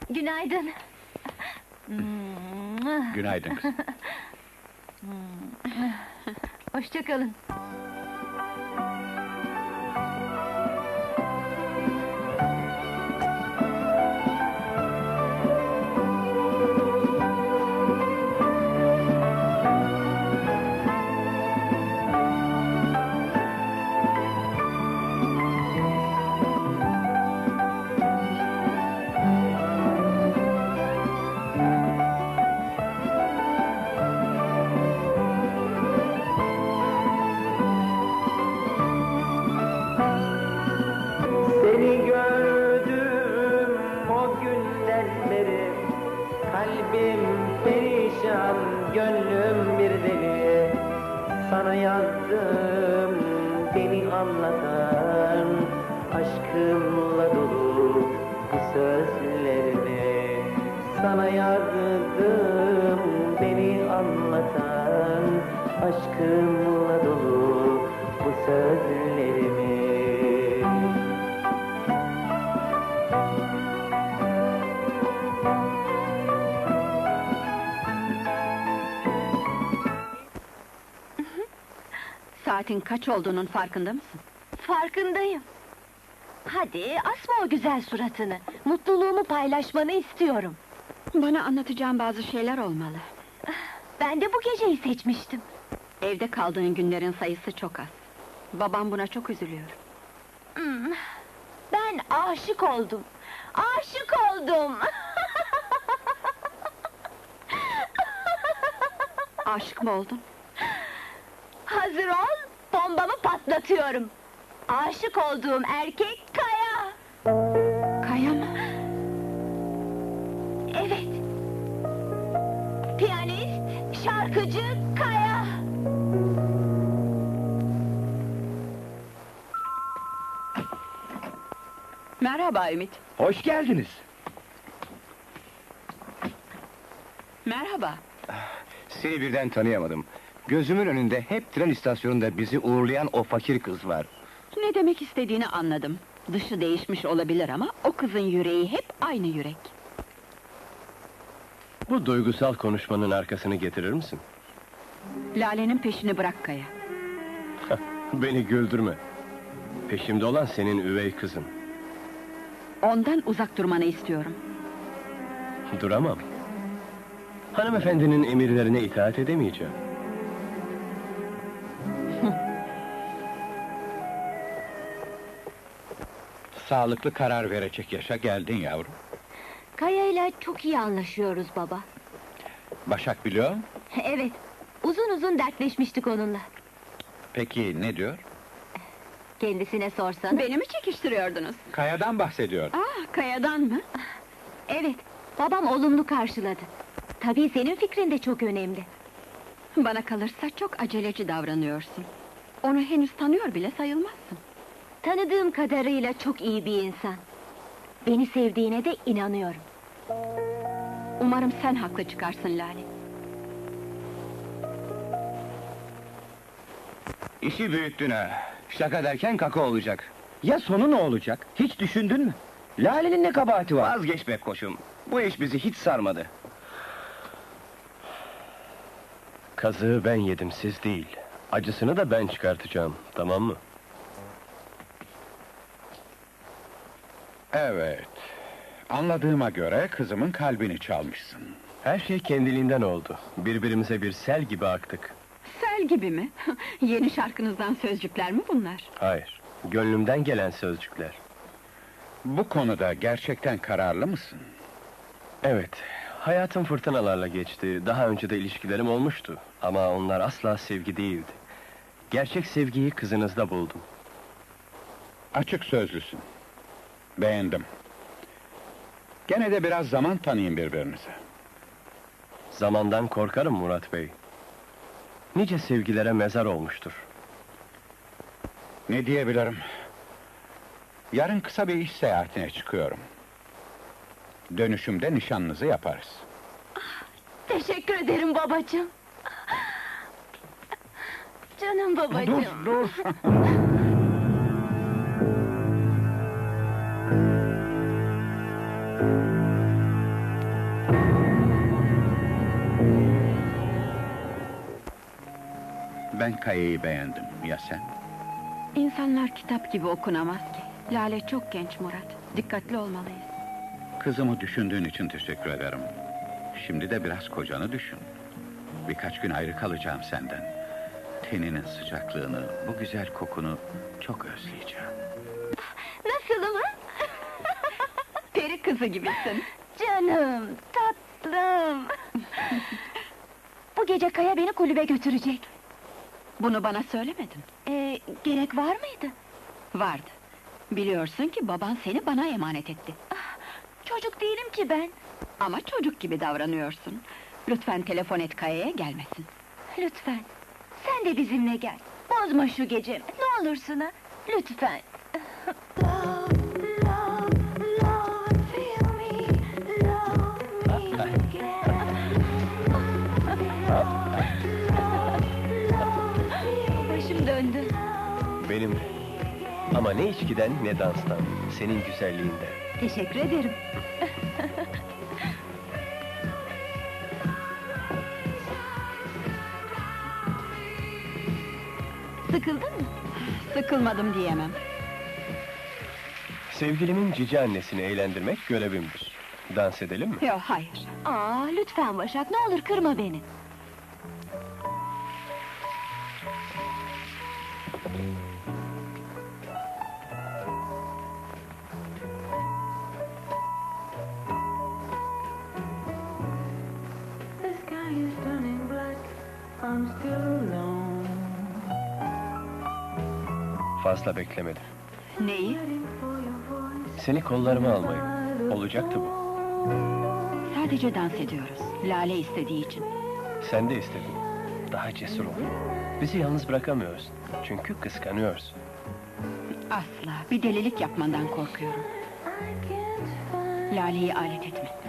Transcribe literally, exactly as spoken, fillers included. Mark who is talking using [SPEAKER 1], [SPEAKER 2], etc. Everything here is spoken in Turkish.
[SPEAKER 1] Günaydın.
[SPEAKER 2] Günaydın kızım.
[SPEAKER 1] Hoşça kalın.
[SPEAKER 3] Seni gördüm o günden beri, kalbim perişan, gönlüm bir deli. Sana yazdım beni anlatan, aşkımla dolu bu sözlerimi. Sana yazdım beni anlatan, aşkımla dolu bu sözlerimi.
[SPEAKER 4] Saatin kaç olduğunun farkında mısın?
[SPEAKER 1] Farkındayım. Hadi, asma o güzel suratını. Mutluluğumu paylaşmanı istiyorum.
[SPEAKER 4] Bana anlatacağım bazı şeyler olmalı.
[SPEAKER 1] Ben de bu geceyi seçmiştim.
[SPEAKER 4] Evde kaldığın günlerin sayısı çok az. Babam buna çok üzülüyor.
[SPEAKER 1] Hmm, Ben aşık oldum. Aşık oldum.
[SPEAKER 4] Aşık mı oldun?
[SPEAKER 1] Hazır ol, bombamı patlatıyorum. Aşık olduğum erkek Kaya.
[SPEAKER 4] Kaya mı?
[SPEAKER 1] Evet. Piyanist, şarkıcı Kaya.
[SPEAKER 4] Merhaba Ümit.
[SPEAKER 2] Hoş geldiniz.
[SPEAKER 4] Merhaba.
[SPEAKER 2] Seni birden tanıyamadım. Gözümün önünde hep tren istasyonunda bizi uğurlayan o fakir kız var.
[SPEAKER 4] Ne demek istediğini anladım. Dışı değişmiş olabilir ama o kızın yüreği hep aynı yürek.
[SPEAKER 5] Bu duygusal konuşmanın arkasını getirir misin?
[SPEAKER 4] Lale'nin peşini bırak Kaya.
[SPEAKER 5] Beni güldürme. Peşimde olan senin üvey kızın.
[SPEAKER 4] Ondan uzak durmanı istiyorum.
[SPEAKER 5] Duramam. Hanımefendinin emirlerine itaat edemeyeceğim.
[SPEAKER 2] Sağlıklı karar verecek yaşa geldin yavrum.
[SPEAKER 1] Kaya ile çok iyi anlaşıyoruz baba.
[SPEAKER 2] Başak biliyor mu?
[SPEAKER 1] Evet, uzun uzun dertleşmiştik onunla.
[SPEAKER 2] Peki ne diyor?
[SPEAKER 1] Kendisine sorsana.
[SPEAKER 4] Beni mi çekiştiriyordunuz?
[SPEAKER 2] Kaya'dan bahsediyor.
[SPEAKER 4] Ah, Kaya'dan mı?
[SPEAKER 1] Evet, babam olumlu karşıladı. Tabii senin fikrin de çok önemli.
[SPEAKER 4] Bana kalırsa çok aceleci davranıyorsun. Onu henüz tanıyor bile sayılmazsın.
[SPEAKER 1] Tanıdığım kadarıyla çok iyi bir insan. Beni sevdiğine de inanıyorum.
[SPEAKER 4] Umarım sen haklı çıkarsın Lale.
[SPEAKER 2] İşi büyüttün ha. Şaka derken kaka olacak.
[SPEAKER 6] Ya sonu ne olacak? Hiç düşündün mü? Lale'nin ne kabahati var?
[SPEAKER 2] Vazgeç be koçum. Bu iş bizi hiç sarmadı.
[SPEAKER 5] Kazığı ben yedim, siz değil. Acısını da ben çıkartacağım, tamam mı?
[SPEAKER 7] Evet. Anladığıma göre kızımın kalbini çalmışsın.
[SPEAKER 5] Her şey kendiliğinden oldu. Birbirimize bir sel gibi aktık.
[SPEAKER 4] Sel gibi mi? Yeni şarkınızdan sözcükler mi bunlar?
[SPEAKER 5] Hayır, gönlümden gelen sözcükler.
[SPEAKER 7] Bu konuda gerçekten kararlı mısın?
[SPEAKER 5] Evet, hayatım fırtınalarla geçti. Daha önce de ilişkilerim olmuştu. Ama onlar asla sevgi değildi. Gerçek sevgiyi kızınızda buldum.
[SPEAKER 7] Açık sözlüsün. Beğendim. Gene de biraz zaman tanıyın birbirinize.
[SPEAKER 5] Zamandan korkarım Murat Bey. Nice sevgilere mezar olmuştur.
[SPEAKER 7] Ne diyebilirim? Yarın kısa bir iş seyahatine çıkıyorum. Dönüşümde nişanınızı yaparız.
[SPEAKER 1] Teşekkür ederim babacığım. Canım babacığım.
[SPEAKER 7] Dur, dur! Ben Kaya'yı beğendim. Ya sen?
[SPEAKER 4] İnsanlar kitap gibi okunamaz ki. Lale çok genç Murat. Dikkatli olmalıyız.
[SPEAKER 7] Kızımı düşündüğün için teşekkür ederim. Şimdi de biraz kocanı düşün. Birkaç gün ayrı kalacağım senden. Teninin sıcaklığını, bu güzel kokunu çok özleyeceğim.
[SPEAKER 1] Nasılım ha?
[SPEAKER 4] Peri kızı gibisin.
[SPEAKER 1] Canım, tatlım. Bu gece Kaya beni kulübe götürecek.
[SPEAKER 4] Bunu bana söylemedin.
[SPEAKER 1] Ee, gerek var mıydı?
[SPEAKER 4] Vardı. Biliyorsun ki baban seni bana emanet etti.
[SPEAKER 1] Çocuk değilim ki ben.
[SPEAKER 4] Ama çocuk gibi davranıyorsun. Lütfen telefon et Kaya'ya gelmesin.
[SPEAKER 1] Lütfen, sen de bizimle gel. Bozma şu gecemi, ne olursun ha? Lütfen. Başım döndü.
[SPEAKER 5] Benim de. Ama ne içkiden ne danstan, senin güzelliğinden.
[SPEAKER 1] Teşekkür ederim. Sıkıldın mı?
[SPEAKER 4] Sıkılmadım diyemem.
[SPEAKER 5] Sevgilimin cici annesini eğlendirmek görevimdir. Dans edelim mi?
[SPEAKER 4] Yok, hayır.
[SPEAKER 1] Aa, lütfen Başak, ne olur kırma beni.
[SPEAKER 3] The sky is turning black. I'm still alone.
[SPEAKER 5] Fazla beklemedim.
[SPEAKER 4] Neyi?
[SPEAKER 3] Waiting for your voice.
[SPEAKER 5] Seni kollarıma almayı. Olacaktı bu.
[SPEAKER 4] Sadece dans ediyoruz. Lale istediği için.
[SPEAKER 5] Sen de istedin. Daha cesur ol. Bizi yalnız bırakamıyorsun. Çünkü kıskanıyorsun.
[SPEAKER 4] Asla. Bir delilik yapmandan korkuyorum.
[SPEAKER 3] I can't find
[SPEAKER 4] Lale'yi alet etme.